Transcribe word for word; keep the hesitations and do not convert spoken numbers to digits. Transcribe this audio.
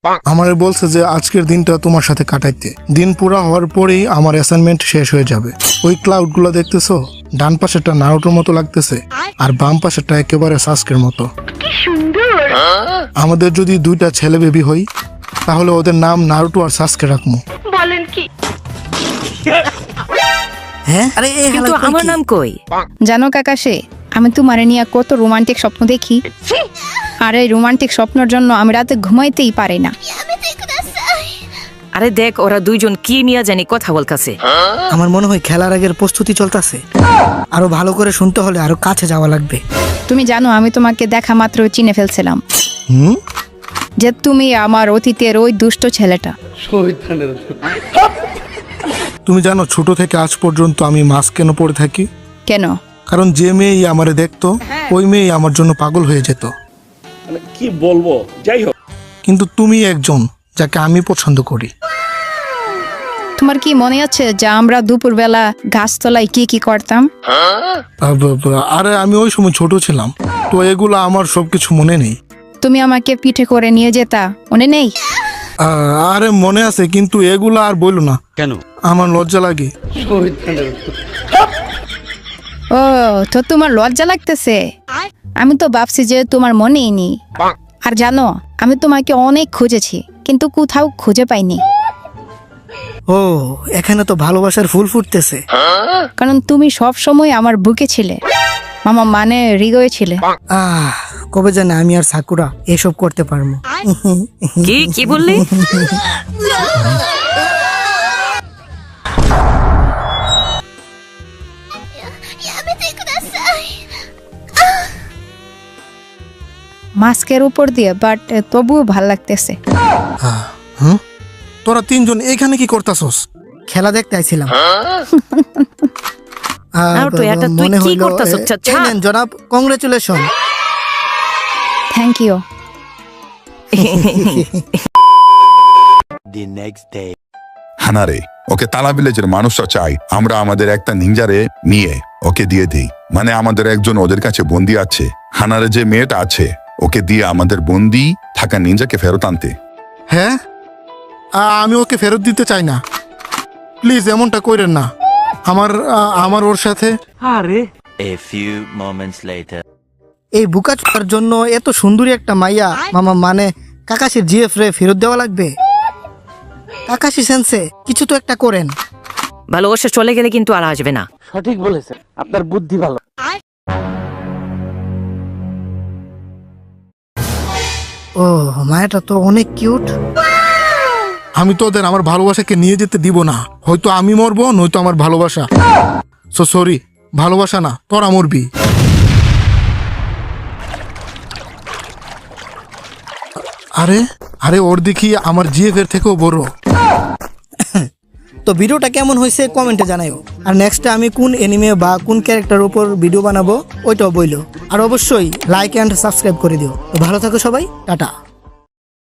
আমারে বলছে যে আজকের দিনটা তোমার সাথে কাটাইতে। দিন পুরা হওয়ার পরেই আমার অ্যাসাইনমেন্ট শেষ হয়ে যাবে। ওই ক্লাউড গুলো দেখতেছো, ডান পাশেরটা নারুটোর মতো লাগতেছে আর বাম পাশেরটা একেবারে সাস্কের মতো। আমাদের যদি দুইটা ছেলে বেবি হই তাহলে ওদের নাম নারুটো আর সাস্কে রাখবো। বলেন কি? হ্যাঁ, আরে এই কিন্তু হালাই আমার নাম কই? জানো কাকাশে, আমি তোমারে নিয়ে কত রোমান্টিক স্বপ্ন দেখি, আর এই রোমান্টিক স্বপ্নের জন্য আমি রাতে ঘুমাইতেই পারি না। আরে দেখ, ওরা দুইজন কি নিয়ে জানি কথা বলতাছে। আমার মনে হয় খেলার আগের প্রস্তুতি চলতেছে। আরো ভালো করে শুনতে হলে আরো কাছে যাওয়া লাগবে। তুমি জানো আমি তোমাকে দেখা মাত্র চিনে ফেলছিলাম হুম, যে তুমি আমার অতীতের ওই দুষ্ট ছেলেটা। তুমি জানো ছোট থেকে আজ পর্যন্ত আমি মাস্ক কেন পরে থাকি? কেন? কারণ যে মেয়েই আমারে দেখতো ওই মেয়েই আমার জন্য পাগল হয়ে যেত। মানে কি বলবো, যাই হোক। কিন্তু তুমি একজন যাকে আমি পছন্দ করি। তোমার কি মনে আছে যে আমরা দুপুরবেলা গাছতলায় কি কি করতাম? আ- ব- ব- আরে আমি ওই সময় ছোট ছিলাম, তো এগুলো আমার সবকিছু মনে নেই। তুমি আমাকে পিঠে করে নিয়ে যেতা, মনে নেই? আ- আরে মনে আছে, কিন্তু এগুলো আর বইলো না। কেন? আমার লজ্জা লাগে। ও, তো তোমার লজ্জা লাগতেছে? আমি তো ভাবছি যে তোমার মনেই নেই। আর জানো, আমি তোমাকে অনেক খুঁজেছি কিন্তু কোথাও খুঁজে পাইনি। ও, এখানে তো ভালোবাসার ফুল ফুটতেছে। কারণ তুমি সব সময় আমার বুকে ছিলে, মামা মানে হৃদয়ে ছিলে। আহ, কবে জানে আমি আর সাকুরা এসব করতে পারবো। কি কি বললি? মাস্কের উপর দিয়ে, বাট তবুও ভাল লাগতেছে। হুম, তোরা তিনজন এখানে কি করতাছস? খেলা দেখতে আইছিলাম। নারুটো, এটা তুই কি করতাছস? ছাড়। জনাব, congratulation. Thank you. The next day. হানারে, ওকে তালা ভিলেজের মানুষরা চাই আমরা আমাদের একটা নিঞ্জারে নিয়ে ওকে দিয়ে দিই। মানে আমাদের একজন ওদের কাছে বন্দি আছে। হানারে যে মেয়েটা আছে ওকে দিয়ে আমাদের বন্দি থাকা নিঞ্জাকে ফেরত আনতে। হ্যাঁ, আ- আমি ওকে ফেরত দিতে চাই না, প্লিজ এমনটা কইরেন না। আমার আ- আমার ওর সাথে A few moments later. এই বুকাচুকার জন্য এত সুন্দরী একটা মাইয়া মামা মানে কাকাশির জিএফ রে ফেরত দেওয়া লাগবে। কাকাশি সেন্সে কিছু তো একটা করেন। ভালোবাসা চলে গেলে কিন্তু আর আসবে না। সঠিক বলেছেন, আপনার বুদ্ধি ভালো। ও, মায়াটা তো অনেক কিউট। আমি তো ওদের আমার ভালোবাসাকে নিয়ে যেতে দিব না। হয়তো আমি মরবো, নয়তো আমার ভালোবাসা। সো সরি, ভালোবাসা না, তোরা মরবি। আরে আরে ওর দেখি আমার জিএফ এর থেকেও বড়। তো ভিডিওটা কেমন হয়েছে কমেন্টে জানাইও। আর নেক্সটে আমি কোন এনিমে বা কোন ক্যারেক্টার উপর ভিডিও বানাবো ওইটাও বইলো। আর অবশ্যই লাইক অ্যান্ড সাবস্ক্রাইব করে দিও। তো ভালো থাকো সবাই, টাটা।